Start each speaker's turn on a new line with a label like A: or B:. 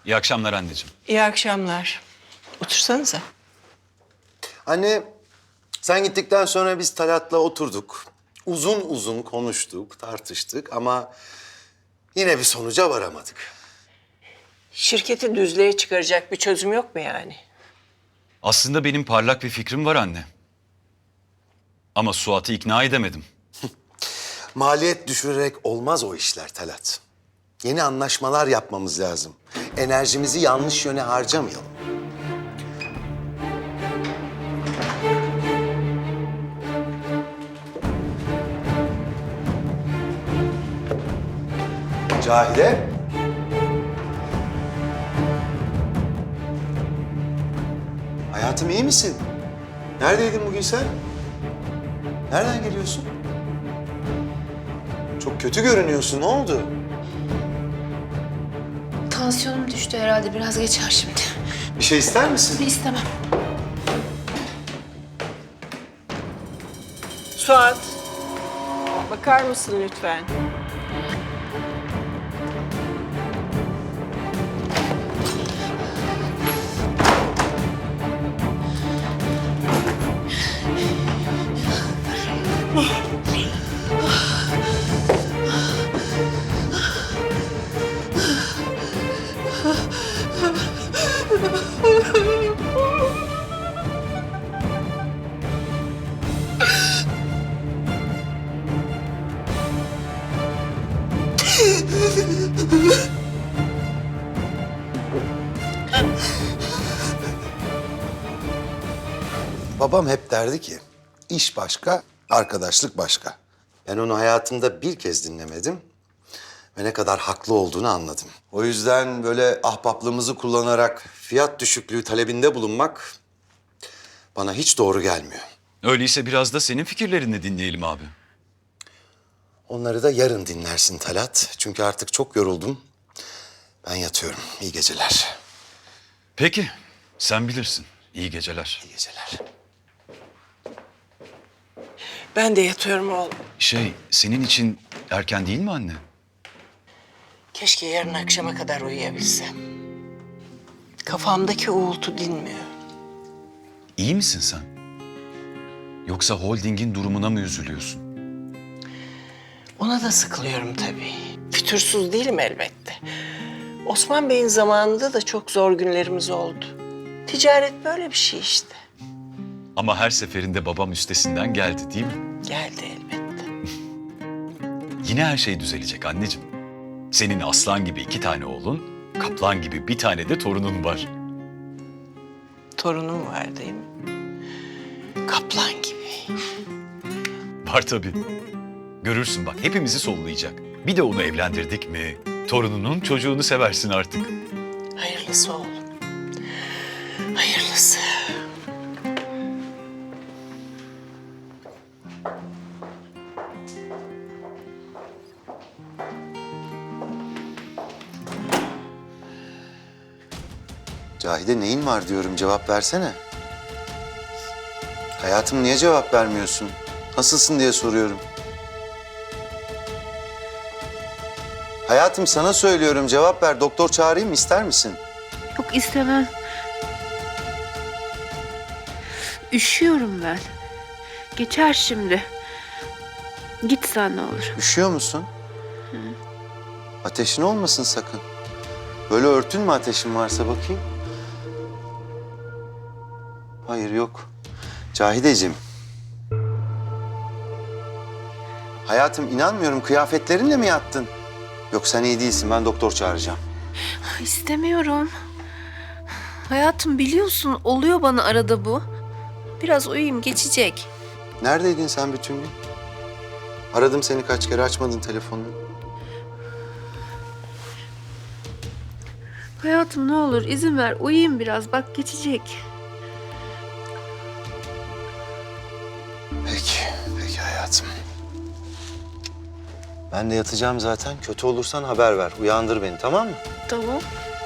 A: İyi akşamlar anneciğim.
B: İyi akşamlar. Otursanıza.
C: Anne, sen gittikten sonra biz Talat'la oturduk. Uzun uzun konuştuk, tartıştık ama yine bir sonuca varamadık.
B: Şirketi düzlüğe çıkaracak bir çözüm yok mu yani?
A: Aslında benim parlak bir fikrim var anne. Ama Suat'ı ikna edemedim.
C: Maliyet düşürerek olmaz o işler Talat. Yeni anlaşmalar yapmamız lazım. Enerjimizi yanlış yöne harcamayalım. Cahide. Hayatım iyi misin? Neredeydin bugün sen? Nereden geliyorsun? Çok kötü görünüyorsun. Ne oldu?
D: Tansiyonum düştü herhalde. Biraz geçer şimdi.
C: Bir şey ister misin?
D: İstemem.
B: Suat, bakar mısın lütfen?
C: Babam hep derdi ki, iş başka, arkadaşlık başka. Ben onu hayatımda bir kez dinlemedim ve ne kadar haklı olduğunu anladım. O yüzden böyle ahbaplığımızı kullanarak fiyat düşüklüğü talebinde bulunmak bana hiç doğru gelmiyor.
A: Öyleyse biraz da senin fikirlerini dinleyelim abi.
C: Onları da yarın dinlersin Talat. Çünkü artık çok yoruldum. Ben yatıyorum. İyi geceler.
A: Peki, sen bilirsin. İyi geceler.
C: İyi geceler.
B: Ben de yatıyorum oğlum.
A: Senin için erken değil mi anne?
B: Keşke yarın akşama kadar uyuyabilsem. Kafamdaki uğultu dinmiyor.
A: İyi misin sen? Yoksa holdingin durumuna mı üzülüyorsun?
B: Ona da sıkılıyorum tabii. Fütursuz değilim elbette. Osman Bey'in zamanında da çok zor günlerimiz oldu. Ticaret böyle bir şey işte.
A: Ama her seferinde babam üstesinden geldi değil mi?
B: Geldi elbette.
A: Yine her şey düzelecek anneciğim. Senin aslan gibi 2 tane oğlun, kaplan gibi bir tane de torunun var.
B: Torunum var değil mi? Kaplan gibi.
A: Var tabii. Görürsün bak hepimizi sollayacak. Bir de onu evlendirdik mi torununun çocuğunu seversin artık.
B: Hayırlısı oğlum. Hayırlısı.
C: Cahide neyin var diyorum, cevap versene. Hayatım niye cevap vermiyorsun? Nasılsın diye soruyorum. Hayatım sana söylüyorum, cevap ver. Doktor çağırayım mı, ister misin?
D: Yok istemem. Üşüyorum ben. Geçer şimdi. Git sen ne olur.
C: Üşüyor musun? Ateşin olmasın sakın. Böyle örtün mü ateşin varsa bakayım? Hayır yok. Cahideciğim. Hayatım inanmıyorum, kıyafetlerinle mi yattın? Yok sen iyi değilsin, ben doktor çağıracağım.
D: İstemiyorum. Hayatım biliyorsun oluyor bana arada bu. Biraz uyuyayım geçecek.
C: Neredeydin sen bütün gün? Aradım seni kaç kere, açmadın telefonunu.
D: Hayatım ne olur izin ver uyuyayım biraz bak geçecek.
C: Peki hayatım. Ben de yatacağım zaten. Kötü olursan haber ver, uyandır beni, tamam mı?
D: Tamam.